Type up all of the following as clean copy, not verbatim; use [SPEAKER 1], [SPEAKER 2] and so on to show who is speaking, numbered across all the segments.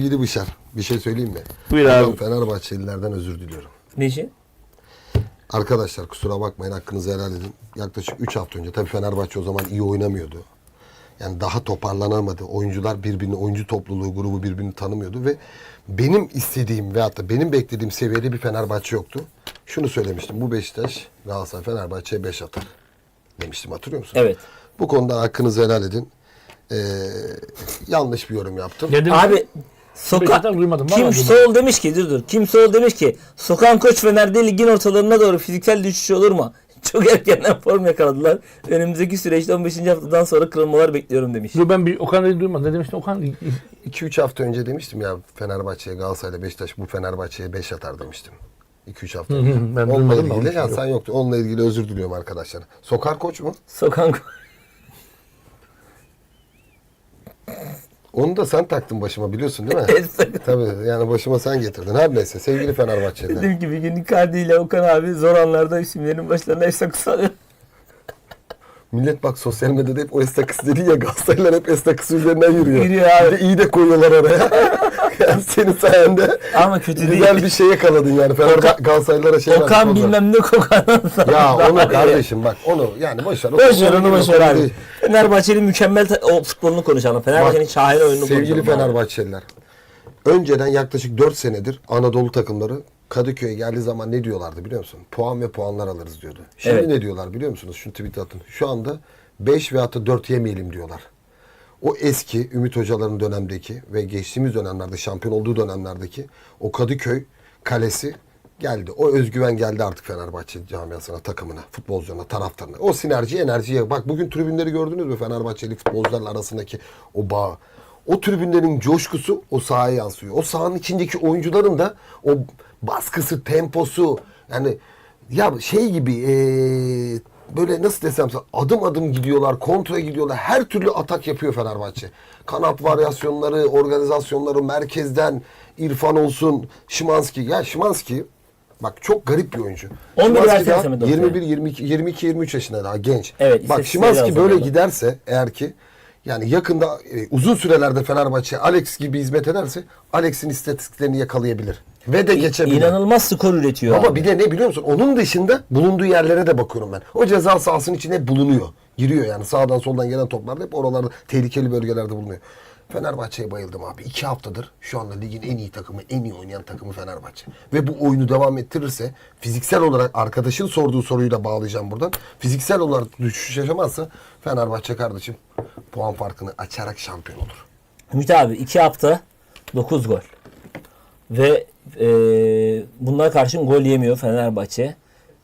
[SPEAKER 1] Sevgili Bışar, bir şey söyleyeyim mi?
[SPEAKER 2] Buyur abi.
[SPEAKER 1] Fenerbahçelilerden özür diliyorum.
[SPEAKER 3] Ne için?
[SPEAKER 1] Arkadaşlar kusura bakmayın, hakkınızı helal edin. Yaklaşık 3 hafta önce, tabii Fenerbahçe o zaman iyi oynamıyordu. Yani daha toparlanamadı. Oyuncular birbirini, oyuncu topluluğu, grubu birbirini tanımıyordu ve benim istediğim veyahut da benim beklediğim seviyede bir Fenerbahçe yoktu. Şunu söylemiştim, bu Beşiktaş, Galatasaray, Fenerbahçe'ye 5 atar demiştim, hatırlıyor musun?
[SPEAKER 3] Evet.
[SPEAKER 1] Bu konuda hakkınızı helal edin. Yanlış bir yorum yaptım.
[SPEAKER 2] Dedim
[SPEAKER 3] Abi
[SPEAKER 2] Beşiktaş'tan duymadım. Vallahi
[SPEAKER 3] Kim Sol demiş ki dur. Kim Sol demiş ki Sokan Koç Fener'de ligin ortalarına doğru fiziksel düşüş olur mu? Çok erkenden form yakaladılar. Önümüzdeki süreçte 15. haftadan sonra kırılmalar bekliyorum demiş.
[SPEAKER 2] Dur ben bir Okan'ı duymadım. Ne demiştin Okan?
[SPEAKER 1] 2-3 hafta önce demiştim ya, Fenerbahçe'ye, Galatasaray'la Beşiktaş bu Fenerbahçe'ye 5 atar demiştim. 2-3 hafta önce.
[SPEAKER 2] Ben
[SPEAKER 1] Onunla
[SPEAKER 2] duymadım da onun
[SPEAKER 1] ilgili,
[SPEAKER 2] için
[SPEAKER 1] ya
[SPEAKER 2] yok.
[SPEAKER 1] sen yoktu. Onunla ilgili özür diliyorum arkadaşlar. Sokar Koç mu?
[SPEAKER 3] Sokan Koç.
[SPEAKER 1] Onu da sen taktın başıma, biliyorsun değil mi?
[SPEAKER 3] Evet.
[SPEAKER 1] Tabii, yani başıma sen getirdin. Her neyse, sevgili Fenerbahçeliler.
[SPEAKER 3] Dedim ki bir gün Icardi ile Okan abi zor anlarda isimlerin başlarına esakı alıyor.
[SPEAKER 1] Millet bak sosyal medyada hep o estakıs dedi ya, Galatasaraylılar hep estakıs üzerinden yürüyor.
[SPEAKER 3] Yürüyor abi.
[SPEAKER 1] Bir de iyi de koyuyorlar araya. Yani senin sayende
[SPEAKER 3] Ama kötü
[SPEAKER 1] güzel
[SPEAKER 3] değil.
[SPEAKER 1] bir şey yakaladın yani. Galatasaraylılara şey
[SPEAKER 3] Okan
[SPEAKER 1] vermiş,
[SPEAKER 3] bilmem ne kokan.
[SPEAKER 1] ya onu kardeşim bak, onu yani boş ver.
[SPEAKER 3] Boş ver onu, boş ver abi.
[SPEAKER 1] Değil.
[SPEAKER 3] Fenerbahçe'nin mükemmel o futbolunu konuşalım. Fenerbahçe'nin şahane oyununu konuşalım.
[SPEAKER 1] Sevgili
[SPEAKER 3] abi.
[SPEAKER 1] Fenerbahçeliler, önceden yaklaşık 4 senedir Anadolu takımları Kadıköy'e geldiği zaman ne diyorlardı biliyor musun? Puan ve puanlar alırız diyordu. Şimdi
[SPEAKER 3] Evet.
[SPEAKER 1] ne diyorlar biliyor musunuz? Şunu tweet atın. Şu anda 5 veyahut da 4 yemeyelim diyorlar. O eski Ümit Hocaların dönemdeki ve geçtiğimiz dönemlerde, şampiyon olduğu dönemlerdeki o Kadıköy kalesi geldi. O özgüven geldi artık Fenerbahçe camiasına, takımına, futbolcularına, taraftarına. O sinerji, enerjiye. Bak bugün tribünleri gördünüz mü, Fenerbahçeli futbolcularla arasındaki o bağ. O tribünlerin coşkusu o sahaya yansıyor. O sahanın içindeki oyuncuların da o baskısı, temposu, yani ya şey gibi böyle nasıl desem sana, adım adım gidiyorlar, kontra gidiyorlar. Her türlü atak yapıyor Fenerbahçe. Kanat varyasyonları, organizasyonları, merkezden İrfan olsun, Szymański. Ya Szymański bak çok garip bir oyuncu.
[SPEAKER 3] 11
[SPEAKER 1] Szymański
[SPEAKER 3] versene
[SPEAKER 1] daha
[SPEAKER 3] Samet
[SPEAKER 1] 21, 22, 23 yaşında, daha genç.
[SPEAKER 3] Evet,
[SPEAKER 1] Bak
[SPEAKER 3] istatistikleri
[SPEAKER 1] Szymański
[SPEAKER 3] lazım
[SPEAKER 1] böyle
[SPEAKER 3] orada.
[SPEAKER 1] giderse eğer ki, yani yakında uzun sürelerde Fenerbahçe Alex gibi hizmet ederse Alex'in istatistiklerini yakalayabilir. Ve de geçebilir.
[SPEAKER 3] İnanılmaz skor üretiyor
[SPEAKER 1] Ama
[SPEAKER 3] abi.
[SPEAKER 1] bir de ne biliyor musun? Onun dışında bulunduğu yerlere de bakıyorum ben. O ceza sahasının içine hep bulunuyor. Giriyor yani, sağdan soldan gelen toplar hep oralarda, tehlikeli bölgelerde bulunuyor. Fenerbahçe'ye bayıldım abi. 2 haftadır şu anda ligin en iyi takımı, en iyi oynayan takımı Fenerbahçe. Ve bu oyunu devam ettirirse, fiziksel olarak arkadaşın sorduğu soruyla bağlayacağım buradan. Fiziksel olarak düşüş yaşamazsa Fenerbahçe kardeşim puan farkını açarak şampiyon olur.
[SPEAKER 3] Ümit abi 2 hafta 9 gol. Ve bunlara karşın gol yemiyor Fenerbahçe.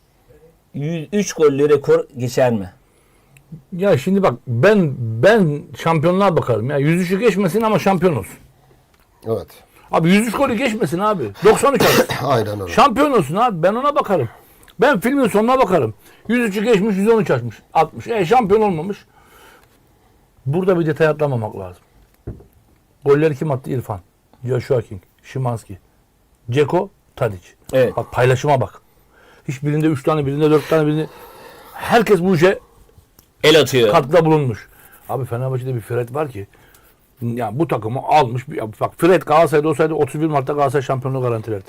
[SPEAKER 3] 3 gollü rekor geçer mi?
[SPEAKER 2] Ya şimdi bak ben şampiyonluğa bakarım ya. 103'ü geçmesin ama şampiyon olsun.
[SPEAKER 1] Evet.
[SPEAKER 2] Abi 103 golü geçmesin abi. 93 alsın.
[SPEAKER 1] Aynen öyle.
[SPEAKER 2] Şampiyon olsun abi. Ben ona bakarım. Ben filmin sonuna bakarım. 103'ü geçmiş, 113 açmış, 60. Şampiyon olmamış. Burada bir detay atlamamak lazım. Golleri kim attı? İrfan, Joshua King, Szymański, Dzeko, Tadic.
[SPEAKER 3] Evet.
[SPEAKER 2] Bak paylaşıma bak. Hiçbirinde 3 tane, birinde 4 tane, birinde... Herkes bu işe
[SPEAKER 3] El atıyor.
[SPEAKER 2] katkıda bulunmuş. Abi Fenerbahçe'de bir Fred var ki, ya bu takımı almış. Bak Fred Galatasaray'da olsaydı 31 Mart'ta Galatasaray şampiyonluğu garantilerdi.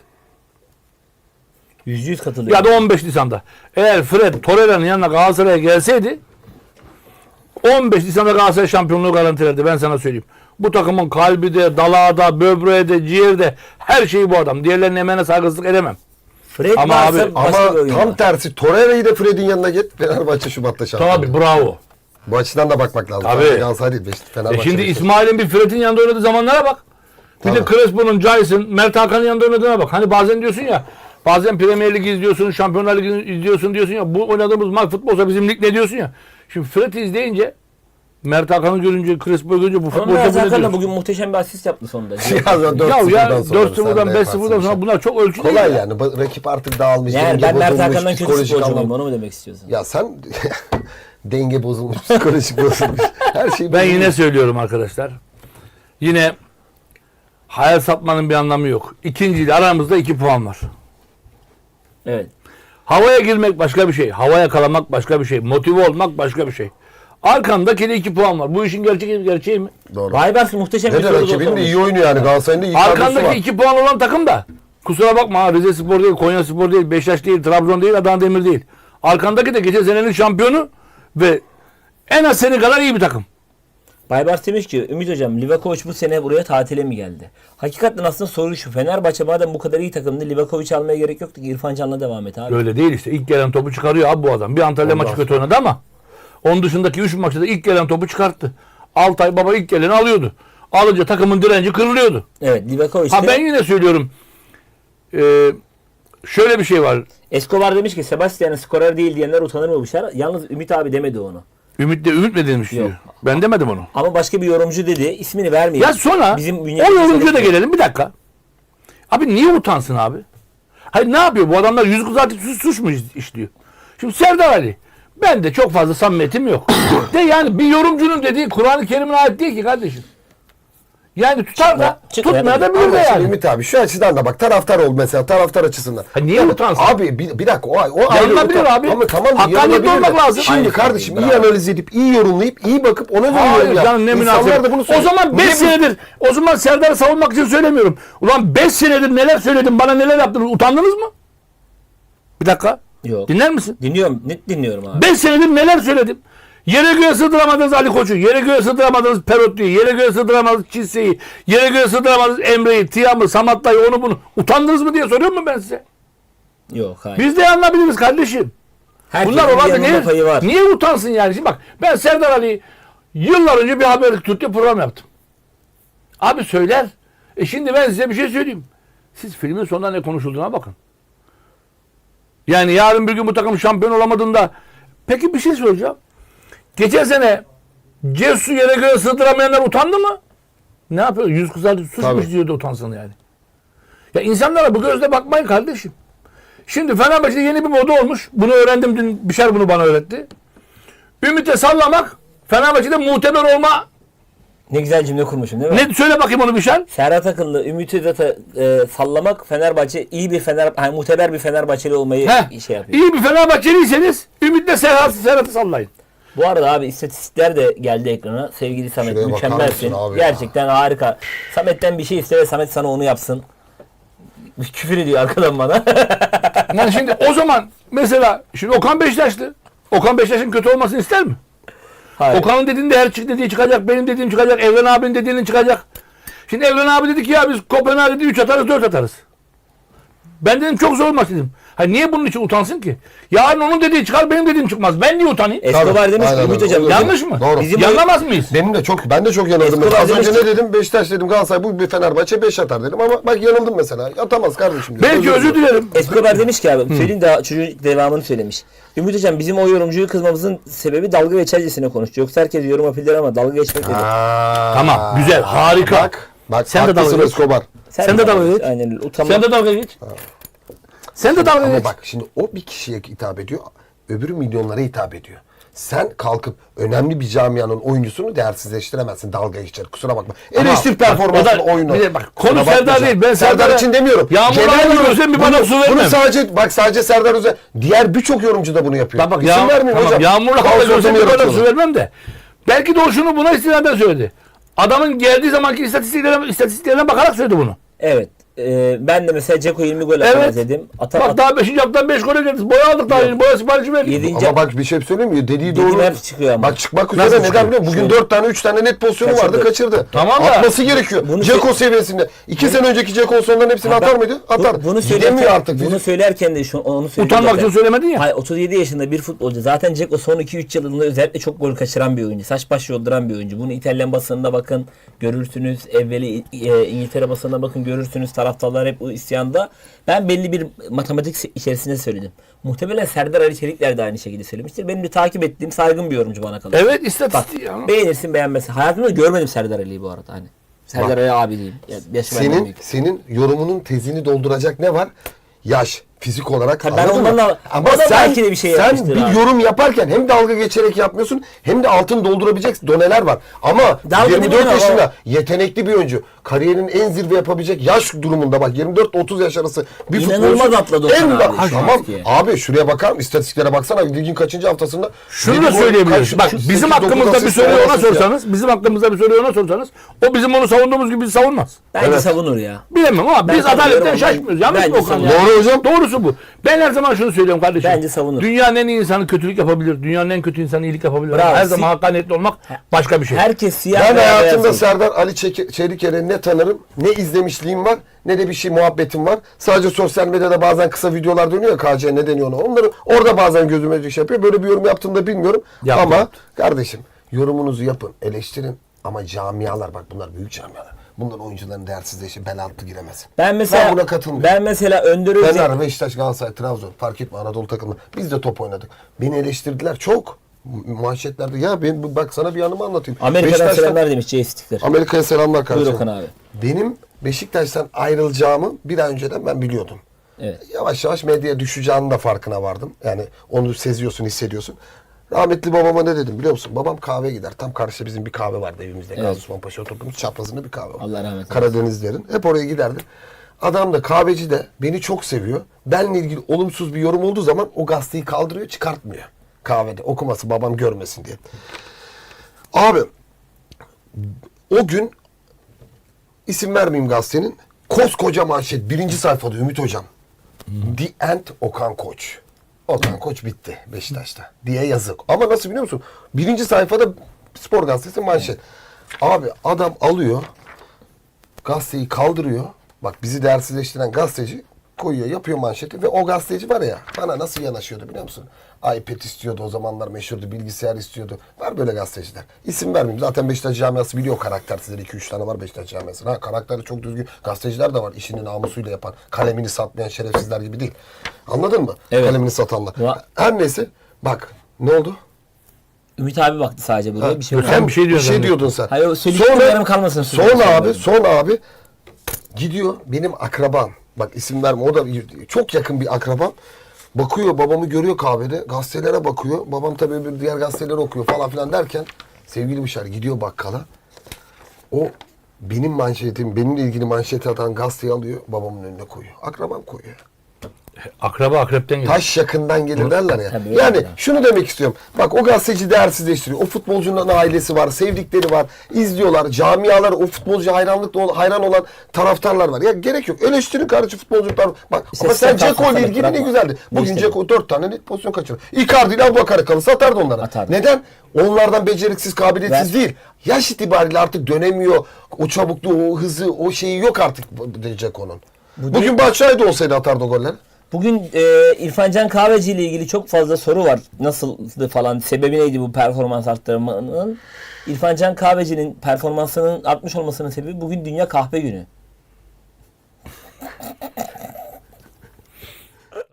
[SPEAKER 3] %100 katılıyorum.
[SPEAKER 2] Ya da 15 Nisan'da. Eğer Fred Torreira'nın yanına Galatasaray'a gelseydi 15 Nisan'da Galatasaray şampiyonluğu garantilerdi, ben sana söyleyeyim. Bu takımın kalbi de, dalağı böbreği de, ciğeri de, her şeyi bu adam. Diğerlerinin emeğine saygısızlık edemem.
[SPEAKER 3] Fred
[SPEAKER 2] Ama
[SPEAKER 3] varsa
[SPEAKER 2] abi,
[SPEAKER 3] başka
[SPEAKER 1] Ama
[SPEAKER 3] bir oyun
[SPEAKER 1] tam
[SPEAKER 3] var.
[SPEAKER 1] tersi, Torreira'yı da Fred'in yanına git, Fenerbahçe Şubat'ta şampiyon.
[SPEAKER 2] Tabii bravo.
[SPEAKER 1] Bu açıdan da bakmak lazım.
[SPEAKER 2] Tabii.
[SPEAKER 1] Galatasaray değil, Fenerbahçe.
[SPEAKER 2] Şimdi
[SPEAKER 1] Beşiktaş.
[SPEAKER 2] İsmail'in bir Fred'in yanında oynadığı zamanlara bak. Bir de
[SPEAKER 1] Tabii.
[SPEAKER 2] Crespo'nun, Jason, Mert Hakan'ın yanında oynadığına bak. Hani bazen diyorsun ya, bazen Premier Lig izliyorsun, Şampiyonlar Ligi izliyorsun diyorsun ya, bu oynadığımız maç futbolsa bizim lig ne diyorsun ya. Şimdi Fred'i izleyince, Mert Hakan'ı görünce, Crespo'yu görünce bu
[SPEAKER 3] Ama
[SPEAKER 2] futbolsa
[SPEAKER 3] Mert
[SPEAKER 2] bu ne
[SPEAKER 3] Hakan da
[SPEAKER 2] diyorsun?
[SPEAKER 3] bugün muhteşem bir asist yaptı sonunda.
[SPEAKER 1] Ya
[SPEAKER 2] Ya
[SPEAKER 1] 4-0'dan sonra
[SPEAKER 2] 4-0'dan
[SPEAKER 1] sen de
[SPEAKER 2] 5-0'dan
[SPEAKER 1] yaparsın
[SPEAKER 2] sonra
[SPEAKER 1] bir
[SPEAKER 2] bunlar çok ölçü
[SPEAKER 1] şey.
[SPEAKER 2] değil
[SPEAKER 1] Kolay
[SPEAKER 2] ya.
[SPEAKER 1] yani. Rakip artık dağılmış.
[SPEAKER 3] Yani
[SPEAKER 1] denge
[SPEAKER 3] ben Mert
[SPEAKER 1] bozulmuş,
[SPEAKER 3] Hakan'dan kötü
[SPEAKER 1] psikolojik
[SPEAKER 3] futbolcu
[SPEAKER 1] anlam-
[SPEAKER 3] muyum? Onu mu demek istiyorsun?
[SPEAKER 1] Ya sen denge bozulmuş, psikolojik bozulmuş. Her şey
[SPEAKER 2] Ben
[SPEAKER 1] bozulmuş.
[SPEAKER 2] yine söylüyorum arkadaşlar. Yine hayal satmanın bir anlamı yok. İkinciyle aramızda 2 puan var.
[SPEAKER 3] Evet.
[SPEAKER 2] Havaya girmek başka bir şey. Hava yakalamak başka bir şey. Motive olmak başka bir şey. Arkandaki de 2 puan var. Bu işin gerçeği mi?
[SPEAKER 1] Doğru.
[SPEAKER 3] Baybars muhteşem
[SPEAKER 1] Ne
[SPEAKER 3] bir
[SPEAKER 1] de
[SPEAKER 3] soru
[SPEAKER 1] rakibinin de
[SPEAKER 3] sormuş.
[SPEAKER 1] iyi oynuyor yani. Galatasaray'ın da iyi kadrosu
[SPEAKER 2] Arkandaki
[SPEAKER 1] var.
[SPEAKER 2] 2 puan olan takım da kusura bakma ha, Rize Spor değil, Konya Spor değil, Beşiktaş değil, Trabzon değil, Adana Demir değil. Arkandaki de geçen senenin şampiyonu ve en az seni kadar iyi bir takım.
[SPEAKER 3] Baybars demiş ki Ümit Hocam Livakovic bu sene buraya tatile mi geldi? Hakikaten aslında soru şu. Fenerbahçe madem bu kadar iyi takımdı Livakovic almaya gerek yoktu ki İrfan Can'la devam et abi.
[SPEAKER 2] Öyle değil işte. İlk gelen topu çıkarıyor abi bu adam. Bir Antalya maçı kötü oynadı ama onun dışındaki 3 maçta da ilk gelen topu çıkarttı. Altay Baba ilk geleni alıyordu. Alınca takımın direnci kırılıyordu.
[SPEAKER 3] Evet Livakovic
[SPEAKER 2] Ha
[SPEAKER 3] de-
[SPEAKER 2] ben yine söylüyorum. Şöyle bir şey var.
[SPEAKER 3] Escobar demiş ki Sebastian'ın skorer değil diyenler utanır mı bu işler? Yalnız Ümit abi demedi onu.
[SPEAKER 2] Ümit mi demiş diyor.
[SPEAKER 3] Yok.
[SPEAKER 2] Ben demedim onu.
[SPEAKER 3] Ama başka bir yorumcu dedi. İsmini vermeyelim.
[SPEAKER 2] Ya sonra
[SPEAKER 3] Bizim
[SPEAKER 2] o
[SPEAKER 3] bünyemize
[SPEAKER 2] yorumcuya da
[SPEAKER 3] çalışıyor.
[SPEAKER 2] gelelim bir dakika. Abi niye utansın abi? Hayır ne yapıyor? Bu adamlar yüz kızartıp suç mu işliyor? Şimdi Serdar Ali. Ben de çok fazla samimiyetim yok. De yani bir yorumcunun dediği Kur'an-ı Kerim'e ait değil ki kardeşim. Yani tutar da
[SPEAKER 3] Çıkma,
[SPEAKER 2] tutmaya da
[SPEAKER 3] çıkma.
[SPEAKER 2] bilir de
[SPEAKER 1] Ama şimdi
[SPEAKER 2] yani.
[SPEAKER 1] Ümit abi şu açıdan da bak taraftar ol mesela taraftar açısından.
[SPEAKER 2] Ha niye utansın?
[SPEAKER 1] Abi bir dakika o ayrı
[SPEAKER 2] Yanılabilir
[SPEAKER 1] utan-
[SPEAKER 2] abi.
[SPEAKER 1] Ama tamam
[SPEAKER 2] Hakkaniyetli
[SPEAKER 1] yanılabilir de.
[SPEAKER 2] olmak lazım.
[SPEAKER 1] Şimdi
[SPEAKER 3] Aynı
[SPEAKER 1] kardeşim
[SPEAKER 3] şey,
[SPEAKER 1] iyi
[SPEAKER 3] bravo.
[SPEAKER 1] analiz edip iyi yorumlayıp iyi bakıp ona göre
[SPEAKER 2] Hayır
[SPEAKER 1] yorum yap.
[SPEAKER 2] canım ne
[SPEAKER 1] İnsanlar
[SPEAKER 2] münasebet.
[SPEAKER 1] da bunu
[SPEAKER 2] O
[SPEAKER 1] söylüyor.
[SPEAKER 2] zaman 5
[SPEAKER 1] Niye bu-
[SPEAKER 2] senedir, o zaman Serdar'ı savunmak için söylemiyorum. Ulan 5 senedir neler söyledim, bana neler yaptınız, utandınız mı? Bir dakika.
[SPEAKER 3] Yok.
[SPEAKER 2] Dinler misin?
[SPEAKER 3] Dinliyorum. Net dinliyorum abi.
[SPEAKER 2] 5 senedir neler söyledim. Yere göğe sığdıramadınız Ali Koç'u, yere göğe sığdıramadınız Perotlu'yu, yere göğe sığdıramadınız Çise'yi, yere göğe sığdıramadınız Emre'yi, Tiam'ı, Samatta'yı, onu bunu. Utandınız mı diye soruyor mu ben size?
[SPEAKER 3] Yok hayır.
[SPEAKER 2] Biz de anlayabiliriz kardeşim.
[SPEAKER 3] Herkesin
[SPEAKER 2] Bunlar
[SPEAKER 3] bir
[SPEAKER 2] olabilir.
[SPEAKER 3] yanılma payı var.
[SPEAKER 2] Niye utansın yani? Şimdi bak ben Serdar Ali'yi yıllar önce bir haberlik Türk'te program yaptım. Abi söyler. Şimdi ben size bir şey söyleyeyim. Siz filmin sonunda ne konuşulduğuna bakın. Yani yarın bir gün bu takım şampiyon olamadığında peki bir şey soracağım. Geçen sene Cesu yere göre sığdıramayanlar utandı mı? Ne yapıyor? Yüz kızardı suçmuş
[SPEAKER 1] Tabii.
[SPEAKER 2] diyor da utansın yani. Ya insanlara bu gözle bakmayın kardeşim. Şimdi Fenerbahçe'de yeni bir moda olmuş. Bunu öğrendim dün. Bişar bunu bana öğretti. Ümit'e sallamak Fenerbahçe'de muteber olma.
[SPEAKER 3] Ne güzel cümle kurmuşum değil mi?
[SPEAKER 2] Ne söyle bakayım onu Bişar.
[SPEAKER 3] Serhat Akın'la Ümit'i de sallamak Fenerbahçe iyi bir muteber bir Fenerbahçeli olmayı şey yapıyor.
[SPEAKER 2] İyi bir Fenerbahçeliyseniz Ümit'le Serhat'ı sallayın.
[SPEAKER 3] Bu arada abi istatistikler de geldi ekrana. Sevgili Samet
[SPEAKER 1] Şuraya bakar
[SPEAKER 3] mükemmelsin.
[SPEAKER 1] mısın abi
[SPEAKER 3] Gerçekten harika. Samet'ten bir şey iste ve Samet sana onu yapsın. Küfür ediyor arkadan bana.
[SPEAKER 2] Yani şimdi o zaman mesela şimdi Okan Beşiktaşlı. Okan Beşiktaş'ın kötü olmasını ister mi?
[SPEAKER 3] Hayır.
[SPEAKER 2] Okan'ın dediğinde her dediği çıkacak. Benim dediğim çıkacak. Evren abinin dediğinin çıkacak. Şimdi Evren abi dedi ki ya biz Kopenhag'da 3 atarız 4 atarız. Ben dedim çok zor maç dedim. Ha niye bunun için utansın ki? Yarın onun dediği çıkar benim dediğim çıkmaz. Ben niye utanayım?
[SPEAKER 3] Escobar
[SPEAKER 1] Tabii,
[SPEAKER 3] demiş ki
[SPEAKER 1] aynen
[SPEAKER 3] Ümit
[SPEAKER 1] öyle.
[SPEAKER 3] Hocam
[SPEAKER 1] Olur.
[SPEAKER 2] Yanlış mı?
[SPEAKER 1] Doğru.
[SPEAKER 3] Bizim
[SPEAKER 2] Yanlamaz mıyız?
[SPEAKER 1] Ben de çok yanıldım.
[SPEAKER 3] Escobar
[SPEAKER 1] Az önce
[SPEAKER 3] demiş
[SPEAKER 1] ne dedim? Beşiktaş dedim, Galatasaray bu bir Fenerbahçe 5 atar dedim ama bak yanıldım mesela. Atamaz kardeşim dedim.
[SPEAKER 2] Belki özür dilerim.
[SPEAKER 3] Escobar demiş ki abi söyleyeyim daha çocuğun devamını söylemiş. Ümit Hocam bizim o yorumcuyu kızmamızın sebebi dalga geçercesine konuştu. Yoksa herkes yorum yapabilir ama dalga geçmek dedi.
[SPEAKER 2] Tamam, güzel, harika.
[SPEAKER 1] Bak
[SPEAKER 2] Sen de
[SPEAKER 1] haklısın
[SPEAKER 2] dalga geç.
[SPEAKER 1] Escobar.
[SPEAKER 2] Sen de dalga geç.
[SPEAKER 3] Aynen öyle. Utanma.
[SPEAKER 2] Sen de dalga geç. Sen de dalga
[SPEAKER 1] Ama
[SPEAKER 2] geç.
[SPEAKER 1] bak şimdi o bir kişiye hitap ediyor, öbürü milyonlara hitap ediyor. Sen kalkıp önemli bir camianın oyuncusunu değersizleştiremezsin dalga geçer. Kusura bakma. Eleştir
[SPEAKER 2] bak, o
[SPEAKER 1] performansını
[SPEAKER 2] da-
[SPEAKER 1] oyunu.
[SPEAKER 2] bir de bak, konu
[SPEAKER 1] Kusura
[SPEAKER 2] Serdar
[SPEAKER 1] bakma.
[SPEAKER 2] değil. Ben
[SPEAKER 1] Serdar
[SPEAKER 2] Serdar'a
[SPEAKER 1] için demiyorum.
[SPEAKER 2] yağmurla
[SPEAKER 1] yorum.
[SPEAKER 2] görürsem bir bardak su vermem.
[SPEAKER 1] Bunu sadece Serdar Özel. Diğer birçok yorumcu da bunu yapıyor.
[SPEAKER 2] Bak,
[SPEAKER 1] İsim vermeyeyim
[SPEAKER 2] tamam,
[SPEAKER 1] hocam.
[SPEAKER 2] Yağmurla
[SPEAKER 1] Kaos
[SPEAKER 2] hava görsem
[SPEAKER 1] ortamı
[SPEAKER 2] bir bardak su
[SPEAKER 1] yaratıyorlar.
[SPEAKER 2] vermem de. Belki de o şunu buna istinaden söyledi. Adamın geldiği zamanki istatistiklerine bakarak söyledi bunu.
[SPEAKER 3] Evet. Ben de mesela Ceko 20 gol atamaz
[SPEAKER 2] Evet.
[SPEAKER 3] dedim.
[SPEAKER 2] Bak daha 5. haftadan 5 gol ederiz. Boya aldık daha yeni. Boya siparişi verdik.
[SPEAKER 3] 7.
[SPEAKER 1] Ama bak bir şey söyleyeyim mi? Dediği
[SPEAKER 3] Dediğim
[SPEAKER 1] doğru.
[SPEAKER 3] hep çıkıyor ama.
[SPEAKER 1] Bak çıkmak
[SPEAKER 2] Nasıl
[SPEAKER 1] üzere neden
[SPEAKER 2] çıkıyor?
[SPEAKER 1] biliyor musun? Bugün 4 tane 3 tane net pozisyonu
[SPEAKER 3] Kaçırdı.
[SPEAKER 1] vardı kaçırdı.
[SPEAKER 2] Tamam da-
[SPEAKER 1] Atması gerekiyor.
[SPEAKER 3] Bunu
[SPEAKER 1] Ceko seviyesinde. 2 sene önceki Ceko sonların hepsini atar mıydı? Atar.
[SPEAKER 3] Bunu
[SPEAKER 1] Gidemiyor artık.
[SPEAKER 3] Bunu söylerken de onu söyledim.
[SPEAKER 2] Utanmak
[SPEAKER 3] zaten.
[SPEAKER 2] için söylemedin ya.
[SPEAKER 3] Hayır 37 yaşında bir futbolcu. Zaten Ceko son 2-3 yılında özellikle çok gol kaçıran bir oyuncu. Saç baş yolduran bir oyuncu. Bunu İtalyan basınında bakın görürsünüz. Evveli İngiltere basınına bakın görürsünüz. Taraftarlar hep o isyanda. Ben belli bir matematik içerisinde söyledim. Muhtemelen Serdar Ali Çelikler de aynı şekilde söylemiştir. Benim de takip ettiğim saygın bir yorumcu bana kalır.
[SPEAKER 2] Evet istatistik ya.
[SPEAKER 3] Beğenirsin beğenmezsin. Hayatımda görmedim Serdar Ali'yi bu arada. Hani. Serdar Ali abi diyeyim. Ya, yaşı benden büyük.
[SPEAKER 1] Senin yorumunun tezini dolduracak ne var? Yaş, Fizik olarak.
[SPEAKER 3] Tabii ben
[SPEAKER 1] anladın
[SPEAKER 3] ondan
[SPEAKER 1] mı?
[SPEAKER 3] da-
[SPEAKER 1] Ama
[SPEAKER 3] o da belki de bir şey
[SPEAKER 1] sen
[SPEAKER 3] yapmıştır
[SPEAKER 1] bir
[SPEAKER 3] abi.
[SPEAKER 1] yorum yaparken hem dalga geçerek yapmıyorsun hem de altın doldurabilecek doneler var. Ama
[SPEAKER 3] Dalga
[SPEAKER 1] 24
[SPEAKER 3] değil mi?
[SPEAKER 1] yaşında yetenekli bir oyuncu. Kariyerinin en zirve yapabilecek yaş durumunda bak 24-30 yaş arası bir
[SPEAKER 3] İnanılmaz
[SPEAKER 1] futbolcu.
[SPEAKER 3] atladı Okan abi şu
[SPEAKER 1] Tamam
[SPEAKER 3] anki.
[SPEAKER 1] abi şuraya bakar mısın? İstatistiklere baksana. Ligin kaçıncı haftasında?
[SPEAKER 2] Şunu
[SPEAKER 1] yedi
[SPEAKER 2] da
[SPEAKER 1] gol,
[SPEAKER 2] söyleyebiliriz.
[SPEAKER 1] kaç-
[SPEAKER 2] Bak
[SPEAKER 1] sekiz,
[SPEAKER 2] bizim
[SPEAKER 1] dokuz
[SPEAKER 2] hakkımızda bir
[SPEAKER 1] asist,
[SPEAKER 2] soruyu
[SPEAKER 1] on
[SPEAKER 2] ona
[SPEAKER 1] asist ya.
[SPEAKER 2] sorsanız, bizim hakkımızda bir soruyu ona sorsanız, o bizim onu savunduğumuz gibi savunmaz.
[SPEAKER 3] Bence
[SPEAKER 1] Evet.
[SPEAKER 3] savunur ya.
[SPEAKER 2] Bilemem ama
[SPEAKER 3] Ben
[SPEAKER 2] biz
[SPEAKER 3] katılıyorum
[SPEAKER 2] adaletten
[SPEAKER 3] ama
[SPEAKER 2] şaşmıyoruz. Yanlış mı
[SPEAKER 3] bence
[SPEAKER 2] Okan
[SPEAKER 3] savunur.
[SPEAKER 2] ya?
[SPEAKER 1] Doğru hocam.
[SPEAKER 2] Doğrusu bu. Ben her zaman şunu söylüyorum kardeşim.
[SPEAKER 3] Bence savunur.
[SPEAKER 2] Dünyanın en iyi insanı kötülük yapabilir. Dünyanın en kötü insanı iyilik yapabilir.
[SPEAKER 3] Bravo.
[SPEAKER 2] Her zaman hakkaniyetli olmak başka bir şey.
[SPEAKER 3] Herkes siyah
[SPEAKER 1] Ben
[SPEAKER 3] veya beyaz
[SPEAKER 1] hayatımda
[SPEAKER 3] değil.
[SPEAKER 1] Serdar Ali Çeliker'i ne tanırım, ne izlemişliğim var, ne de bir şey muhabbetim var. Sadece sosyal medyada bazen kısa videolar dönüyor ya, KC ne deniyor ona. Onları orada bazen gözüme şey yapıyor. Böyle bir yorum yaptığını da bilmiyorum.
[SPEAKER 2] Yaptı,
[SPEAKER 1] Ama
[SPEAKER 2] yaptı.
[SPEAKER 1] kardeşim yorumunuzu yapın, eleştirin. Ama camialar bak bunlar büyük camialar. Bunların oyuncuların değersizleşi bel altı giremez.
[SPEAKER 3] Ben mesela
[SPEAKER 1] buna katılmıyorum.
[SPEAKER 3] ben mesela Önder Özel
[SPEAKER 1] Fener, Beşiktaş, Galatasaray, Trabzon fark etme Anadolu takımı. Biz de top oynadık. Beni eleştirdiler çok. Manşetlerde ya ben bak sana bir anımı anlatayım.
[SPEAKER 3] Amerika'dan
[SPEAKER 1] Beşiktaş'tan-
[SPEAKER 3] selamlar demiş Jay Stickler.
[SPEAKER 1] Amerika'ya selamlar kardeşim.
[SPEAKER 3] Okan abi.
[SPEAKER 1] Benim Beşiktaş'tan ayrılacağımı bir ay önceden ben biliyordum.
[SPEAKER 3] Evet.
[SPEAKER 1] Yavaş yavaş medyaya düşeceğinin de farkına vardım. Yani onu seziyorsun, hissediyorsun. Rahmetli babama ne dedim biliyor musun? Babam kahve gider. Tam karşıda bizim bir kahve vardı evimizde.
[SPEAKER 3] Evet.
[SPEAKER 1] Gazi Osman Paşa oturduğumuz çaprazında bir kahve var.
[SPEAKER 3] Allah rahmet eylesin.
[SPEAKER 1] Karadenizlerin. Hep oraya giderdi. Adam da kahveci de beni çok seviyor. Benle ilgili olumsuz bir yorum olduğu zaman o gazeteyi kaldırıyor, çıkartmıyor. Kahvede okuması babam görmesin diye. Abi o gün isim vermeyeyim gazetenin. Koskoca manşet. Birinci sayfada Ümit Hocam. The End Okan Koç. Okan Koç bitti Beşiktaş'ta diye yazık. Ama nasıl biliyor musun? Birinci sayfada Spor Gazetesi manşet. Abi adam alıyor. Gazeteyi kaldırıyor. Bak bizi değersizleştiren gazeteci koyuyor, yapıyor manşeti ve o gazeteci var ya bana nasıl yanaşıyordu biliyor musun? iPad istiyordu o zamanlar meşhurdu, bilgisayar istiyordu. Var böyle gazeteciler. İsim vermeyeyim. Zaten Beşiktaş camiası biliyor karaktersizleri. 2-3 tane var Beşiktaş camiası. Ha karakteri çok düzgün gazeteciler de var. İşini namusuyla yapan, kalemini satmayan şerefsizler gibi değil. Anladın mı?
[SPEAKER 3] Evet.
[SPEAKER 1] Kalemini satanlar.
[SPEAKER 3] Va-
[SPEAKER 1] Her neyse bak ne oldu?
[SPEAKER 3] Ümit abi baktı sadece buraya bir şey yok.
[SPEAKER 2] Sen bir şey diyorsun zannettim.
[SPEAKER 1] diyordun sen.
[SPEAKER 3] Hayır, o söyleyecektim, yarım kalmasın sözüm.
[SPEAKER 1] Sonra abi gidiyor benim akrabam. Bak isim verme o da çok yakın bir akrabam. Bakıyor babamı görüyor kahvede. Gazetelere bakıyor. Babam tabii bir diğer gazeteleri okuyor falan filan derken sevgili Bişar gidiyor bakkala. O benim manşetim, benimle ilgili manşeti atan gazeteyi alıyor babamın önüne koyuyor. Akrabam koyuyor.
[SPEAKER 2] Akraba akrepten gelir.
[SPEAKER 1] Taş yakından gelir derler ya.
[SPEAKER 3] Tabii öyle
[SPEAKER 1] Yani
[SPEAKER 3] ya.
[SPEAKER 1] şunu demek istiyorum. Bak o gazeteci değersizleştiriyor. O futbolcunun ailesi var, sevdikleri var, izliyorlar. Camialar, o futbolcuya hayran olan taraftarlar var. Ya gerek yok. Eleştirin kardeşim futbolcular. Bak
[SPEAKER 3] İşte
[SPEAKER 1] ama sen
[SPEAKER 3] sen
[SPEAKER 1] Dzeko ile
[SPEAKER 3] kalkmasana,
[SPEAKER 1] ilgili ne
[SPEAKER 3] bırakma.
[SPEAKER 1] güzeldi. Bugün
[SPEAKER 3] İşte
[SPEAKER 1] Dzeko 4 tane net pozisyon kaçırdı. Icardi ile Abubakar'ı kalırsa atardı onlara.
[SPEAKER 3] Atardı.
[SPEAKER 1] Neden? Onlardan beceriksiz, kabiliyetsiz
[SPEAKER 3] Ver.
[SPEAKER 1] değil. Yaş itibariyle artık dönemiyor. O çabukluğu, o hızı, o şeyi yok artık Dzeko'nun. Bugün Batshuayi olsaydı atardı o golleri.
[SPEAKER 3] Bugün İrfan Can Kahveci ile ilgili çok fazla soru var. Nasıldı falan, sebebi neydi bu performans arttırmanın? İrfan Can Kahveci'nin performansının artmış olmasının sebebi bugün Dünya Kahve Günü.